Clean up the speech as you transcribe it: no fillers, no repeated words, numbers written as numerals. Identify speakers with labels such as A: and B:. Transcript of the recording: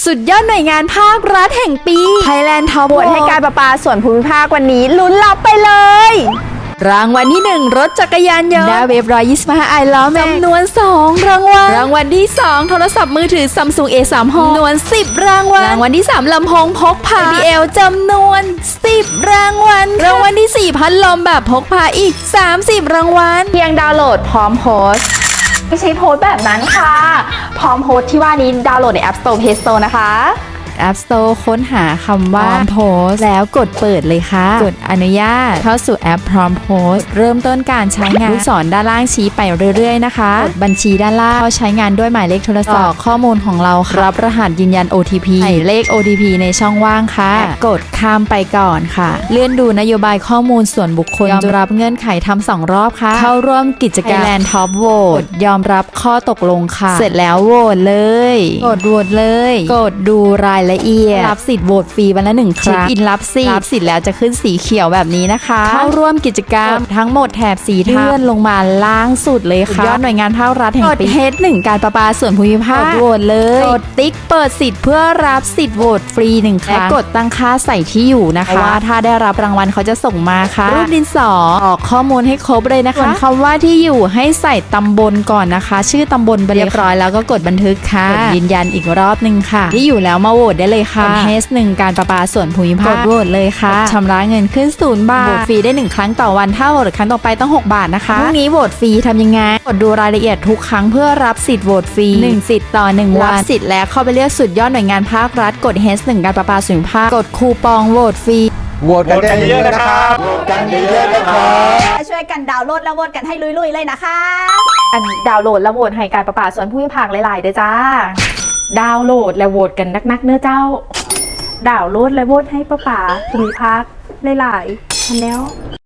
A: สุดยอดหน่วยงานภาครัฐแห่งปี Thailand Top
B: โหวตให้การประปาส่วนภูมิภาควันนี้ลุ้นรับไปเลย
A: รางวัลที่ 1 รถจักรยานยนต์ Daewoo F125 i ล้อแม็กจำนวน 2 รางวัล รางวัลที่ 2 โทรศัพท์มือถือ Samsung A36 จำนวน 10 รางวัล รางวัลที่ 3 ลำโพงพกพา JBL จำนวน 10 รางวัล รางวัลที่ 4 พัดลมแบบพกพาอีก 30 รางวัล
B: เพียงดาวน์โหลดพร้อมโพสต์ไม่ใช่โพสต์แบบนั้นค่ะ พร้อมโพสต์ที่ว่านี้ดาวน์โหลดใน App Store Play Store นะคะ
A: App Store ค้นหาคำว่า พร้อมโพสต์แล้วกดเปิดเลยค่ะ กดอนุญาตเข้าสู่แอปพร้อมโพสต์เริ่มต้นการใช้งานลูกศรด้านล่างชี้ไปเรื่อยๆนะคะกดบัญชีด้านล่างเข้าใช้งานด้วยหมายเลขโทรศัพท์ข้อมูลของเรารับรหัสยืนยัน OTP ใส่เลข OTP ในช่องว่างค่ะกดข้ามไปก่อนค่ะ เลื่อนดูนโยบายข้อมูลส่วนบุคคลยอมรับเงื่อนไขทำ2 รอบค่ะเข้าร่วมกิจกรรม Thailand Top Vote ยอมรับข้อตกลงค่ะเสร็จแล้วโหวตเลยกดโหวตเลยกดดูรายละเอียดรับสิทธิ์โหวตฟรีวันละ1 ครั้งอินรับสิทธิ์แล้วจะขึ้นสีเขียวแบบนี้นะคะเข้าร่วมกิจกรรมทั้งหมดแถบสีเลื่อนลงมาล่างสุดเลยค่ะยอดหน่วยงานภาครัฐแห่งปีกด H1 การประปาส่วนภูมิภาคกดโหวตเลยกดติ๊กเปิดสิทธิ์เพื่อรับสิทธิ์โหวตฟรี1 ครั้งและกดตั้งค่าใส่ที่อยู่นะคะว่าถ้าได้รับรางวัลเขาจะส่งมาค่ะรูปดินสอออกข้อมูลให้ครบเลยนะคะส่วนคำว่าที่อยู่ให้ใส่ตำบลก่อนนะคะ ชื่อตำบลไปเรียบร้อยแล้วก็กดบันทึกค่ะกดยืนยันอีกรอบนึงค่ะที่อยู่แล้วมาโหวตได้เลยค่ะH1 การประปาส่วนภูมิภาคกดโหวตเลยค่ะชำระเงินขึ้น0 บาทโหวตฟรีได้1 ครั้งต่อวันถ้าโหวตครั้งต่อไปต้อง6 บาทนะคะพรุ่งนี้โหวตฟรีทำยังไงกดดูรายละเอียดทุกครั้งเพื่อรับสิทธิ์โหวตฟรี1 สิทธิ์ต่อ1 วันรับสิทธิ์แล้วเข้าไปเลือกสุดยอดหน่วยงานภาครัฐกด H1 การประปาส่วนภูมิภาคกดคูปองโหวตฟรี
C: โหวตกันเยอะๆนะครับโหวตกันเยอะๆนะครับ
D: ช่วยกันดาวน์โหลดแล้วโหวตกันให้ลุยๆเลยนะคะ
B: อันดาวน์โหลดและโหวตให้การประปาส่วนภูมิภาคหลายๆเด้อจ้าดาวน์โหลดและโหวตกันนักๆเนื้อเจ้าดาวน์โหลดและโหวตให้ประปาภูมิภาคหลายๆทันแล้ว